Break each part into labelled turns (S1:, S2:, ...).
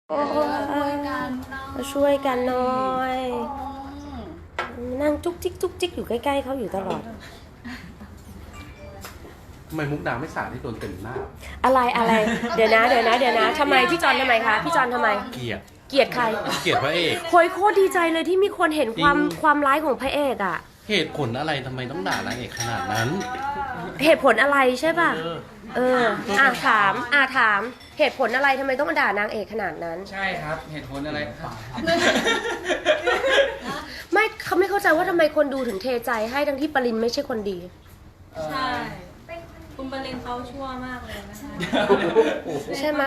S1: โอ้มาช่วยกันหน่อยนั่งจุกจิกจุกจิกอยู่ใกล้ๆเขาอยู่ตลอด
S2: ทำไมมุกดาไม่สาดที่โดนเต็มหน้า
S1: อะไรเดี๋ยวนะทำไมพี่จอนทำไมคะพี่จอนทำไม
S2: เกลียด
S1: ใคร
S2: เกลียดพระเอก
S1: โคตรดีใจเลยที่มีคนเห็นความร้ายของพระเอกอ่ะ
S2: เหตุผลอะไรทำไมต้องด่านางเอกขนาดนั้น
S1: เหตุผลอะไรใช่ป่ะถามเหตุผลอะไรทำไมต้องมาด่านางเอกขนาดนั้น
S3: ใช่ครับเหตุผลอะไรครับ
S1: ไม่เขาไม่เข้าใจว่าทำไมคนดูถึงเทใจให้ทั้งที่ปรินไม่ใช่คนดี
S4: ใช่คุณปรินเขาชั่วมากเลยนะคะ
S1: ใช่ไหม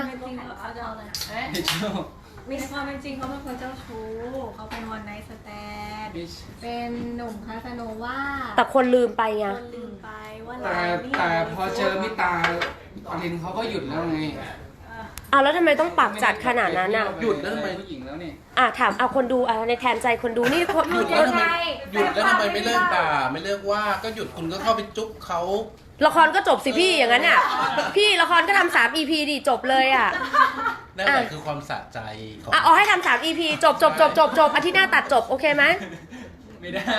S4: มีความเป็นจริงเขาเป็นคนเจ้าชู้เขาเป็นวันไนท์สแตนเป็นหนุ่มคาสโนวา
S1: แต่คนลืมไปไง
S4: คนลืมไปว่า
S3: แต่พอเจอมิตาปรินเขาก็หยุดแล้วไง
S1: แล้วทำไมต้องปากจัดขนาดนั้นอ่ะ
S3: หยุดแล้วทำไมผู้หญิงแล้วนี่
S1: ถามเอาคนดูในแทนใจคนดูนี่
S2: หยุดแล้วทำไมไม่เลิกด่าไม่เลิกว่าก็หยุดคุณก็เข้าไปจุ๊บเขา
S1: ละครก็จบสิพี่อย่างนั้นอ่ะพี่ละครก็ทำ3 EP ดิจบเลยอ่ะ
S2: นั่นแหละคือความสะใจ
S1: เอาให้ทำ3 EP จบอาทิตย์หน้าตัดจบโอเคไหม
S3: ไม่ได้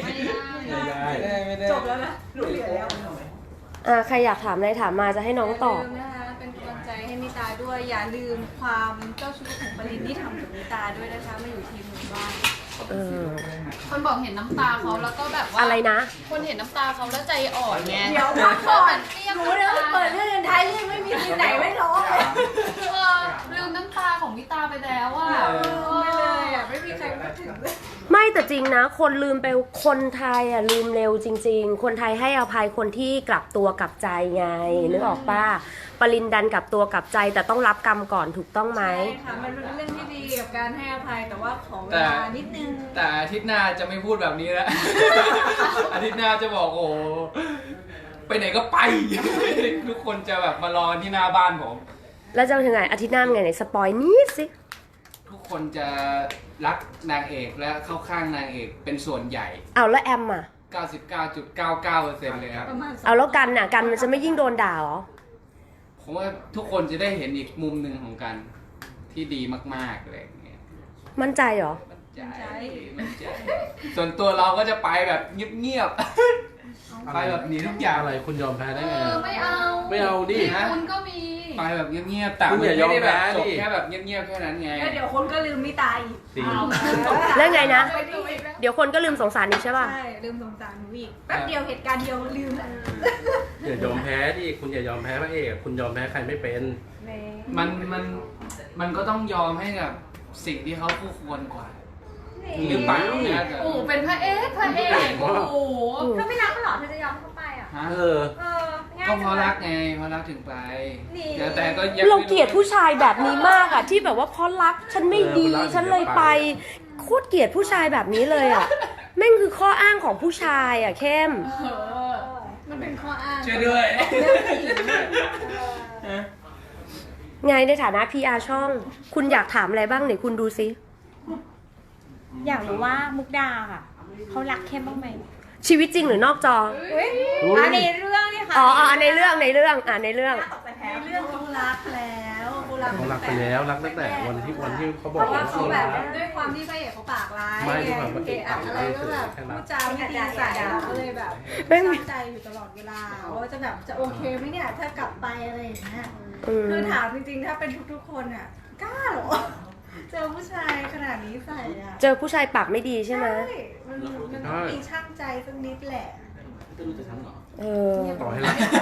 S4: จบแล้วนะหลุดเหลือ
S1: แล้วใครอยากถามอะไรถามมาจะให้น้องตอบ
S4: นะคะเป็นกำลังใจให้มิตาด้วยอย่าลืมความเจ้าชู้ของปรินที่ทำกับมิตาด้วยนะคะมาอยู่ทีมหมู่บ้าน
S5: คนบอกเห็นน้ำตาเขาแล้วก็แบบว่า
S1: อะไรนะ
S5: คนเห็นน้ำตาเขาแล้วใจอ่อนไง
S4: เดี๋ยวพักก่อนรู้เรื่องเปิดเรื่องท้ายเรื่องไม่มีที่ไหนไม่ร้องเลย
S5: ลืมน้ำตาของมิตาไปแล้วอ่ะ
S4: ไม่เลยไม่มีใครพูดถึง
S1: ไม่แต่จริงนะคนลืมไปคนไทยลืมเร็วจริงๆคนไทยให้อภัยคนที่กลับตัวกลับใจไงนึกออกป่ะปรินดันกลับตัวกลับใจแต่ต้องรับกรรมก่อนถูกต้องไหม
S4: ใช่ค่ะมันเป็นเรื่องที่ดีกับการให้อภัยแต่ว่าของเวลานิดนึง
S3: แต่อาทิตย์หน้าจะไม่พูดแบบนี้แล้วอาทิตย์หน้าจะบอกโอ้ไปไหนก็ไปทุกคนจะแบบมารอที่หน้าบ้านผม
S1: แล้วจะถึงไงอาทิตย์หน้าไงไหนสปอยนิดสิ
S3: ทุกคนจะรักนางเอกและเข้าข้างนางเอกเป็นส่วนใหญ่
S1: แล้วแอมอ่ะ
S3: 99.99% เลยครับ
S1: แล้วกันมันจะไม่ยิ่งโดนด่าหรอ
S3: ผมว่าทุกคนจะได้เห็นอีกมุมหนึ่งของกันที่ดีมากๆอะไรอย่างเงี้ย
S1: มั่นใจเหรอ
S3: มั่นใจส่วนตัวเราก็จะไปแบบเงียบๆไปแบบหนีทุกอย่าง
S2: อะไรคุณยอมแพ้ได้ไง
S5: ไม่เอา
S2: ดิ
S5: คุณก็มี
S3: ไปแบบเงียบๆแต่คุณอย่ายอมแพ้ดิแค่แบบเงียบๆแค่นั้นไง
S4: เดี๋ยวคนก็ลืมมิตาอีก
S1: แล้วไงนะเดี๋ยวคนก็ลืมสงสารอีกใช่ป่ะ
S4: ใช่ลืมสงสารหนูอีกแป๊บเดียวเหตุการณ์เดียวลืม
S2: อย่ายอมแพ้ดิคุณอย่ายอมแพ้พระเอกคุณยอมแพ้ใครไม่เป็น
S3: มันก็ต้องยอมให้กับสิ่งที่เขาคู่ควรกว่าหรือเปล่าเนี่ย
S5: เป็นพระเอกโอ้โห
S4: เธอไม่รักเขาหรอเธอจะยอมเข้าไปอ่ะ
S3: ก็เพราะรักไงเพราะรักถึงไปแต่ก็
S1: เราเกลียดผู้ชายแบบนี้มากที่แบบว่าเพราะรักฉันไม่ดีฉันเลยไปโคตรเกลียดผู้ชายแบบนี้เลยแม่งคือข้ออ้างของผู้ชายเข้ม
S4: มันเป็นข้ออ้าง
S3: ช่วยด้วย
S1: ไงในฐานะ PR ช่องคุณอยากถามอะไรบ้างไหนคุณดูซิ
S4: อยากรู้ว่ามุกดาค่ะเขารักเข้มบ้างไหม
S1: ชีวิตจริงหรือนอกจอ
S4: ในเรื่องนี่ค่ะ
S1: ในเรื่อง
S4: ในเรื่อง
S1: เขา
S4: รักแล้ว
S2: เขารักไปแล้วรักตั้งแต่วันที่เขาบอก
S4: ว่าเขาแบบด้วยความที่พระเอกเขาปากร้าย
S2: ไม่ด้วยความว่าเกะ
S4: อะไรก็แบบพูดจาไม่ดีใส่เขาเลยแบบตั้งใจอยู่ตลอดเวลาว่าจะแบบจะโอเคไหมเนี่ยถ้ากลับไปอะไรอย่างเงี้ยคือถามจริงๆถ้าเป็นทุกๆคนอ่ะกล้าหรอเจอผู้ชายขนาดนี้ใส่
S1: เจอผู้ชายปากไม่ดีใช่ไหม
S4: มันต้องมีช่างใจสักนิดแหละ
S2: ต่อให้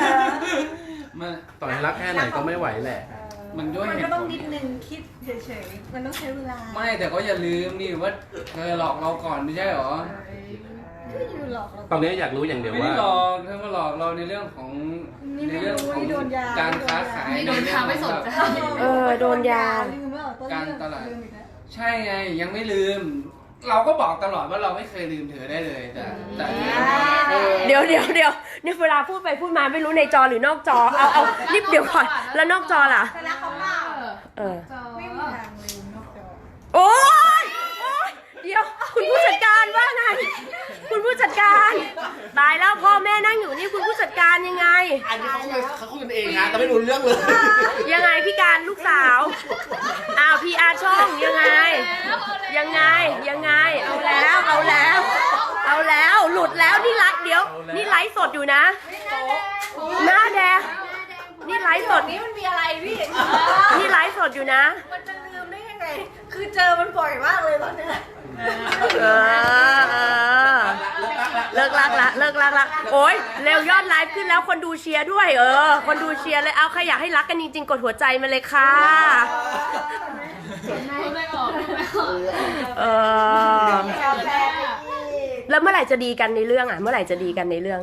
S2: รักแค่ไหนก็ไม่ไหวแหละ
S3: มัน
S4: ก็ต้องนิดนึงคิดเฉยๆมันต้องใช้เวลา
S3: ไม่แต่ก็อย่าลืมนี่ว่าเธอหลอกเราก่อนไม่ใช่หรอ
S2: ตอนนี้อยากรู้อย่างเดียวว่า
S3: ไม่หลอกเธอมาหลอกเราในเรื่องของการค้าขาย
S5: โดนยาไม่สนใจ
S1: โดนยา
S3: การตลาดใช่ไงยังไม่ลืมเราก็บอกตลอดว่าเราไม่เคยลืมเธอได้เลยแต่
S1: เดี๋ยวนี่เวลาพูดไปพูดมาไม่รู้ในจอหรือนอกจอเอารีบเดี๋ยวก่อนแล้วนอกจอล่ะ
S4: แต่ละเขาเล่าไม่มีทางลืมนอกจอ
S1: โอ๊ยเดี๋ยวคุณผู้จัดการว่าไงคุณผู้จัดการตายแล้วพ่อแม่นั่งอยู่นี่คุณผู้จัดการยังไง
S2: อันนี้เขาคุยกันเองนะแต่ไม่รู้เรื่องเลย
S1: ยังไงพี่การลูกสาวอ้าวพี่อาช่องยังไง ยังไงยังไงเอาแล้วเอาแล้วเอาแล้วหลุดแล้วนี่รักเดี๋ยวนี่ไลฟ์สดอยู่นะหน้าแดงนี่ไลฟ์สด
S4: นี่มันมีอะไรพี่
S1: นี่ไลฟ์สดอยู่นะ
S4: มันจะลืมได้ยังไง คือเจอมันบ่อยมากเลยตอนเนี้ย
S1: เออเลิกลักละเลิกลักละโอ้ยเร็วยอดไลฟ์ขึ้นแล้วคนดูเชียร์ด้วยคนดูเชียร์เลยเอาใครอยากให้รักกันจริงๆกดหัวใจมาเลยค่ะ
S5: ไม่ออกไม่ออก
S1: เออแล้วเมื่อไหร่จะดีกันในเรื่องอ่ะเมื่อไหร่จะดีกันในเรื่อง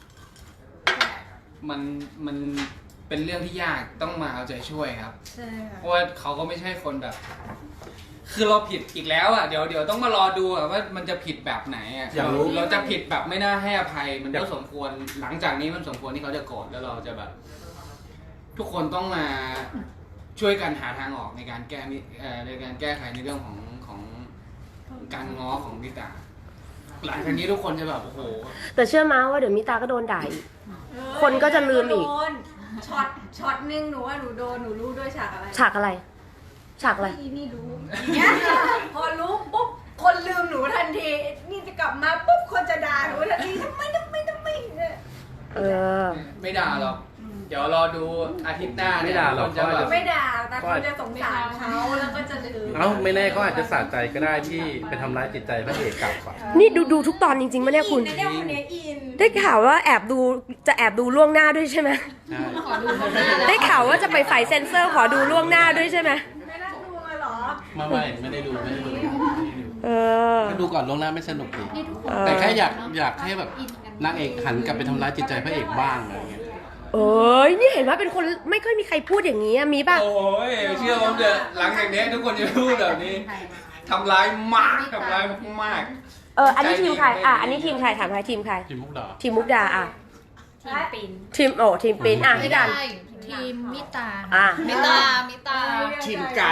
S3: มันเป็นเรื่องที่ยากต้องมาเอาใจช่วยครับ
S4: ใช่ค่ะ
S3: เพราะว่าเขาก็ไม่ใช่คนแบบ คือเราผิดอีกแล้วอ่ะเดี๋ยวต้องมารอดูอ่ะว่ามันจะผิดแบบไหนอ่ะ
S2: อยากรู้
S3: เราจะผิดแบบไม่น่าให้อภัยมันก็สมควรหลังจากนี้มันสมควรที่เขาจะโกรธแล้วเราจะแบบ ทุกคนต้องมาช่วยกันหาทางออกในการในการแก้ไขในเรื่องของการง้อของมิตาหลังจากนี้ทุกคนจะแบบโอ้โห
S1: แต่เชื่อมาว่าเดี๋ยวมิตาก็โดนด่าอีก คนก็จะลืมอีก
S4: โดนช็อตนึงหนูว่าหนูโดนหนูรู้ด้วยฉากอะไร
S1: ฉากอะไร ฉากอะไร
S4: อีนี่รู้อย่างเงี้ยพอรู้ปุ๊บคนลืมหนูทันทีนี่จะกลับมาปุ๊บคนจะด่าหนูทันทีทำไมเนี่ย
S1: เออ
S3: ไม่ด่าหรอกเดี๋ยวรอดูอาทิตย์หน้าเนี่ย
S2: ไม่ด่าหรอก
S3: คนจะแบบ
S4: ไม่ด่าแต่คนจะสงสารเขาแล้วก็จะลืม
S2: เอ้าไม่แน่เขาอาจจะสะใจก็ได้ที่ไปทำร้ายจิตใจพระเอกกลับอ่ะ
S1: นี่ดูทุกตอนจริงๆปะเนี่ยคุณ
S4: อินนะเนี่ยคนเนี้ยอิน
S1: ได้ข่าวว่าจะแอบดูล่วงหน้าด้วยใช่ไหม
S2: ใช่
S5: ขอดูข้างหน้าเลย
S1: ได้ข่าวว่าจะไปฝ่ายเซ็นเซอร์ขอดูล่วงหน้าด้วยใช่ไหม
S4: ไม่น่าดูเลยเหรอ
S2: ไม่ได้ดู
S1: เออ
S2: ก็ดูก่อนล่วงหน้าไม่สนุกดี
S5: นี่ทุกคน
S2: แต่แค่อยากให้แบบนางเอกหันกลับไปทำร้ายจิตใจพระเอกบ้างอะไรอย่างเงี้ย
S1: เอ้ยนี่เห็นว่าเป็นคนไม่ค่อยมีใครพูดอย่างนี้อะมีป่ะ
S3: โอ้ยเชื่อผมเถอะหลังจากนี้ทุกคนจะพูดแบบนี้ทำร้ายมากทำร้ายมาก
S1: อันนี้ทีมใครอันนี้ทีมใครถามใครทีมใคร
S2: ทีมมุกดา
S1: ทีมมุกดาอ่ะ
S5: ทีมปิน
S1: ทีมทีมปินพี่กัน
S5: ทีมมิตา
S1: อ่ะ
S5: มิตา
S2: ทีมกัน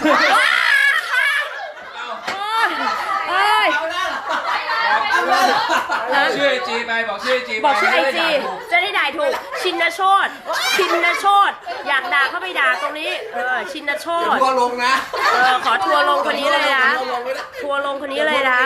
S1: เอ้ย
S3: บอกชื่อไอจีไปบอกชื่อไอจีไป
S1: บอกชื่อไอจี
S3: ม่ด้ด่าถูก
S1: จะได้ด่าถูกชินโชตชินโชตอยากด่าเข้าไปด่าตรงนี้ชินโชต
S2: ทัวลงนะ
S1: ขอทัวร์ลงคนนี้เลยนะทัวร์ลงคนนี้เลยนะ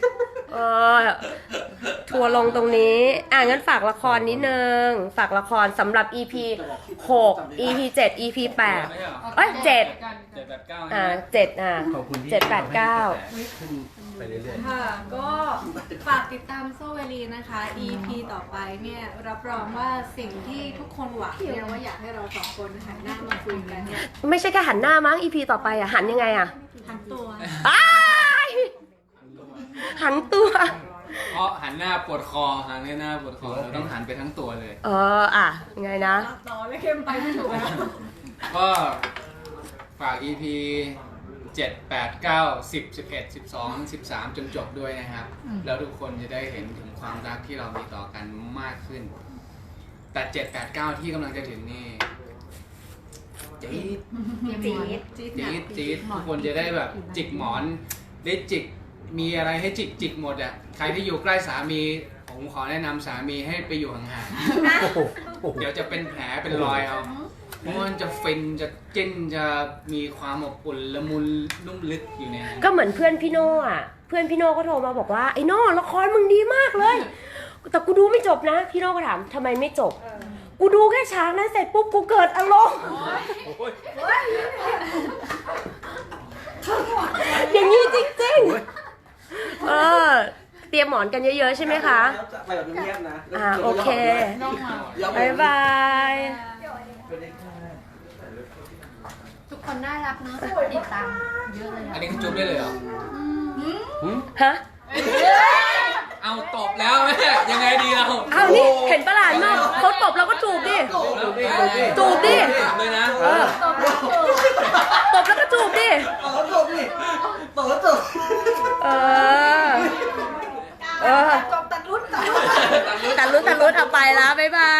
S1: ทัวร์ลงตรงนี้งั้นฝากละครนิดนึงฝากละครสำหรับ EP 6 EP 7 EP 8เอ้ย7
S3: 789
S1: 7
S2: ขอบคุณที่
S1: 7 8 9
S2: ขึ้นไปเรื่อย
S4: ค่ะ ก็ฝากติดตามโซเวลีนะคะ EP ต่อไปเนี่ยรับรองว่าสิ่งที่ทุกคนหวังเนี่ยว่าอยากให้เราสองคนหันหน้ามาคุยกันเนี่ย
S1: ไม่ใช่แค่หันหน้ามั้ง EP ต่อไปหันยังไง
S4: ทั้งตัว
S1: อ้ายหันตัว
S3: เพราะหันหน้าปวดคอหันหน้าปวดคอเราต้องหันไปทั้งตัวเลย
S1: ไงนะ
S4: ต่อไม่เข้มไปไม่ถูกแล้ว
S3: ก็ฝาก EP 7 8 9 10 11 12 13 จนจบด้วยนะครับ แล้วทุกคนจะได้เห็นถึงความรักที่เรามีต่อกันมากขึ้น แต่ 7 8 9 ที่กำลังจะถึงนี่จี๊ดจี๊ดทุกคนจะได้แบบจิกหมอนได้จิกมีอะไรให้จิกหมดอ่ะใครที่อยู่ใกล้สามีผมขอแนะนำสามีให้ไปอยู่ห่างๆเดี๋ยวจะเป็นแผลเป็นรอยเอาเพราะมันจะฟินจะจิ้นจะมีความอบอุ่นละมุนนุ่มลึกอยู่ในนั้น
S1: ก็เหมือนเพื่อนพี่โน่เพื่อนพี่โน่ก็โทรมาบอกว่าไอ้โน่ละครมึงดีมากเลย แต่กูดูไม่จบนะพี่โน่ก็ถามทำไมไม่จบกูดูแค่ฉากนั้นเสร็จปุ๊บกูเกิดอารมณ์อย่างนี้จริงๆเตรียมหมอนกันเยอะๆใช่ไหมคะ
S2: ไปแบบเงียบๆนะ
S1: โอเค
S5: น้องมา
S1: บ๊ายบาย
S5: ทุกคนน่ารักเนอะติดตามเยอะเลย
S3: อันนี้คือจุ๊บได้เลยเหรอ
S1: ฮะ
S3: เอาตบแล้วแม่ยังไงดีเรา
S1: เอานี่เห็นประหลาดมากเขาตบเราก็จูบดิจูบดิ
S3: เลยนะ
S1: ตบแล้วก็จูบดิ
S2: จบนี่ต่อจบ
S4: จบตัดรุ่น
S1: ตัดลุ้นเอาไปแล้วบ๊ายบาย